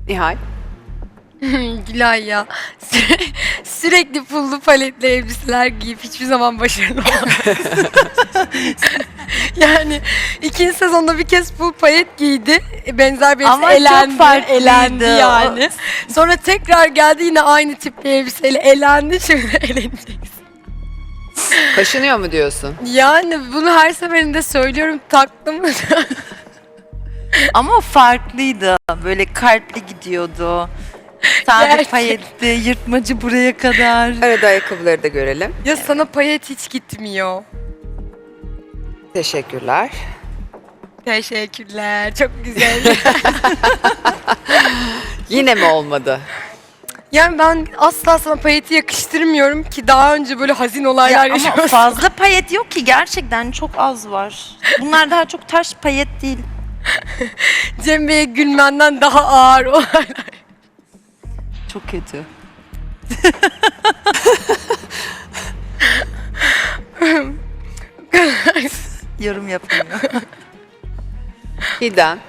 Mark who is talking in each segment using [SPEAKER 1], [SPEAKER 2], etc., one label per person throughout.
[SPEAKER 1] Nihal.
[SPEAKER 2] Gülay ya. Sürekli pullu paletli elbiseler giyip hiçbir zaman başarılı olamaz. Yani ikinci sezonda bir kez full palet giydi. Benzer bir elbise
[SPEAKER 3] Ama çok
[SPEAKER 2] elendi.
[SPEAKER 3] farklıydı.
[SPEAKER 2] Elendi yani. Sonra tekrar geldi yine aynı tipli elbiseyle elendi. Şimdi elenecek.
[SPEAKER 1] Kaşınıyor mu diyorsun?
[SPEAKER 2] Yani bunu her seferinde söylüyorum taktım.
[SPEAKER 3] Ama farklıydı. Böyle kalpli gidiyordu. Sade
[SPEAKER 2] Gerçek.
[SPEAKER 3] payetti, yırtmacı buraya kadar.
[SPEAKER 1] Arada ayakkabıları da görelim.
[SPEAKER 2] Ya sana payet hiç gitmiyor.
[SPEAKER 1] Teşekkürler.
[SPEAKER 2] Teşekkürler. Çok güzel.
[SPEAKER 1] Yine mi olmadı?
[SPEAKER 2] Yani ben asla sana payeti yakıştırmıyorum ki daha önce böyle hazin olaylar
[SPEAKER 3] Ya ama
[SPEAKER 2] yaşıyorsun.
[SPEAKER 3] fazla payet yok ki, gerçekten çok az var. Bunlar daha çok taş payet değil.
[SPEAKER 2] Cem Bey'e gülmenden daha ağır olaylar.
[SPEAKER 3] Çok kötü. Yorum yapamıyor.
[SPEAKER 1] Giden.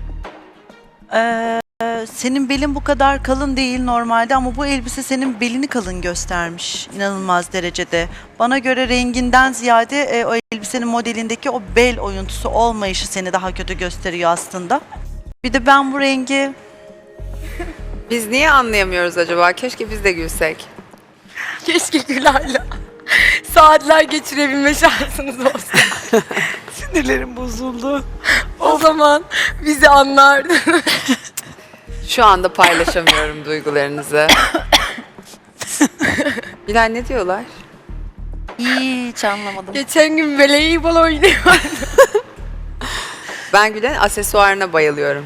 [SPEAKER 3] Senin belin bu kadar kalın değil normalde ama bu elbise senin belini kalın göstermiş inanılmaz derecede. Bana göre renginden ziyade o elbisenin modelindeki o bel oyuntusu olmayışı seni daha kötü gösteriyor aslında. Bir de ben bu rengi
[SPEAKER 1] Biz niye anlayamıyoruz acaba? Keşke biz de gülsek.
[SPEAKER 2] Keşke Gülay'la saatler geçirebilme şansınız olsa.
[SPEAKER 3] sinirlerim bozuldu.
[SPEAKER 2] O zaman bizi anlardın.
[SPEAKER 1] Şu anda paylaşamıyorum duygularınızı. Bilal ne diyorlar?
[SPEAKER 3] Hiç anlamadım.
[SPEAKER 2] Geçen gün voleybol oynuyor.
[SPEAKER 1] Ben Gülen'in aksesuarına bayılıyorum.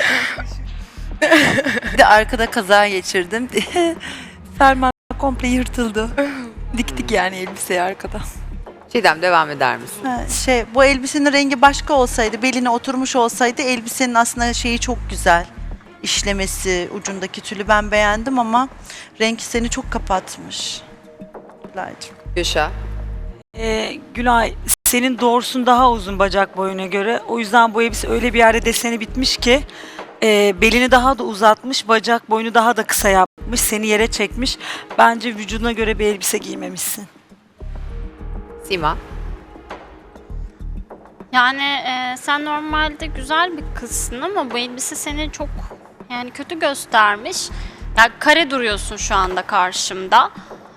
[SPEAKER 3] Bir de arkada kaza geçirdim. Fermuar komple yırtıldı. Diktik yani elbiseyi arkada.
[SPEAKER 1] Çiğdem devam eder misin?
[SPEAKER 3] Bu elbisenin rengi başka olsaydı, beline oturmuş olsaydı elbisenin aslında şeyi çok güzel. İşlemesi, ucundaki tülü ben beğendim ama renk seni çok kapatmış. Gülaycığım.
[SPEAKER 1] Gülşah.
[SPEAKER 4] Gülay, senin doğrusun daha uzun bacak boyuna göre. O yüzden bu elbise öyle bir yerde deseni bitmiş ki belini daha da uzatmış, bacak boyunu daha da kısa yapmış, seni yere çekmiş. Bence vücuduna göre bir elbise giymemişsin.
[SPEAKER 1] Sima.
[SPEAKER 5] Yani sen normalde güzel bir kızsın ama bu elbise seni çok yani kötü göstermiş. Yani kare duruyorsun şu anda karşımda.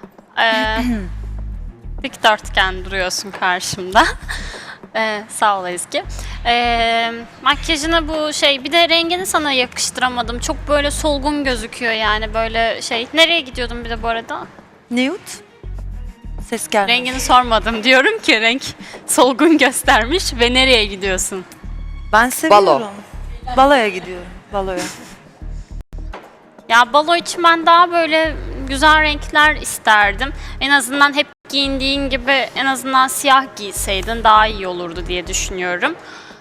[SPEAKER 5] Dikdörtgen duruyorsun karşımda. Sağ ol Ezgi. Makyajına bu şey bir de rengini sana yakıştıramadım. Çok böyle solgun gözüküyor yani böyle şey. Nereye gidiyordun bir de bu arada?
[SPEAKER 3] Nude. Ses gelmedi.
[SPEAKER 5] Rengini sormadım. Diyorum ki renk solgun göstermiş ve nereye gidiyorsun?
[SPEAKER 3] Ben seviyorum.
[SPEAKER 1] Balo.
[SPEAKER 3] Baloya gidiyorum. Baloya.
[SPEAKER 5] Ya balo için ben daha böyle güzel renkler isterdim. En azından hep giyindiğin gibi en azından siyah giyseydin daha iyi olurdu diye düşünüyorum.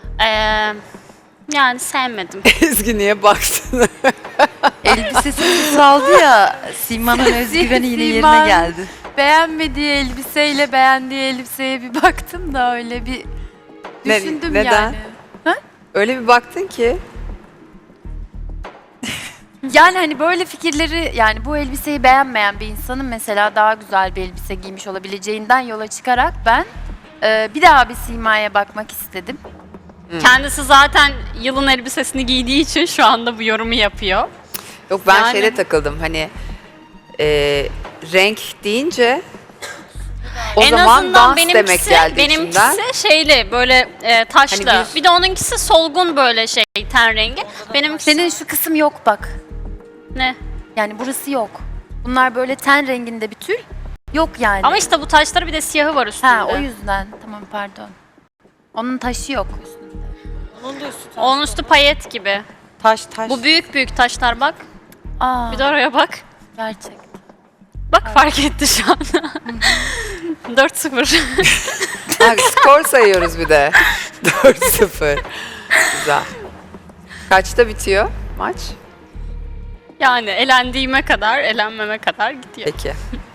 [SPEAKER 5] Yani sevmedim.
[SPEAKER 1] Ezgi niye baktın?
[SPEAKER 3] Elbisesi kısaldı ya. Sima'nın özgüveni yine
[SPEAKER 6] Sima.
[SPEAKER 3] yerine geldi.
[SPEAKER 6] Beğenmediği elbiseyle beğendiği elbiseye bir baktım da öyle bir düşündüm
[SPEAKER 1] neden?
[SPEAKER 6] yani.
[SPEAKER 1] Öyle bir baktın ki.
[SPEAKER 6] Yani hani böyle fikirleri yani bu elbiseyi beğenmeyen bir insanın mesela daha güzel bir elbise giymiş olabileceğinden yola çıkarak ben bir daha bir Sima'ya bakmak istedim.
[SPEAKER 5] Kendisi zaten yılın elbisesini giydiği için şu anda bu yorumu yapıyor.
[SPEAKER 1] Yok ben
[SPEAKER 5] Yani-
[SPEAKER 1] şeyde takıldım hani renk deyince o
[SPEAKER 5] en
[SPEAKER 1] zaman
[SPEAKER 5] azından
[SPEAKER 1] dans demek geldi
[SPEAKER 5] benimkisi
[SPEAKER 1] içimden.
[SPEAKER 5] şeyli böyle taşlı.
[SPEAKER 1] Hani
[SPEAKER 5] bir de onunkisi solgun böyle şey ten rengi. Benimkisi
[SPEAKER 6] Senin şu kısım yok bak.
[SPEAKER 5] ne?
[SPEAKER 6] Yani burası yok. Bunlar böyle ten renginde bir tül. Yok yani.
[SPEAKER 5] Ama işte bu taşları bir de siyahı var üstünde.
[SPEAKER 6] Ha o yüzden. Tamam pardon. Onun taşı yok üstünde.
[SPEAKER 5] Onun üstü payet gibi.
[SPEAKER 3] Taş.
[SPEAKER 5] Bu büyük büyük taşlar bak.
[SPEAKER 6] Aa
[SPEAKER 5] Bir de oraya bak.
[SPEAKER 6] gerçek.
[SPEAKER 5] Bak fark etti şu an. 4-0.
[SPEAKER 1] Ha, skor sayıyoruz bir de. 4-0. Güzel. Kaçta bitiyor maç?
[SPEAKER 5] Yani elendiğime kadar, elenmeme kadar gidiyor.
[SPEAKER 1] Peki.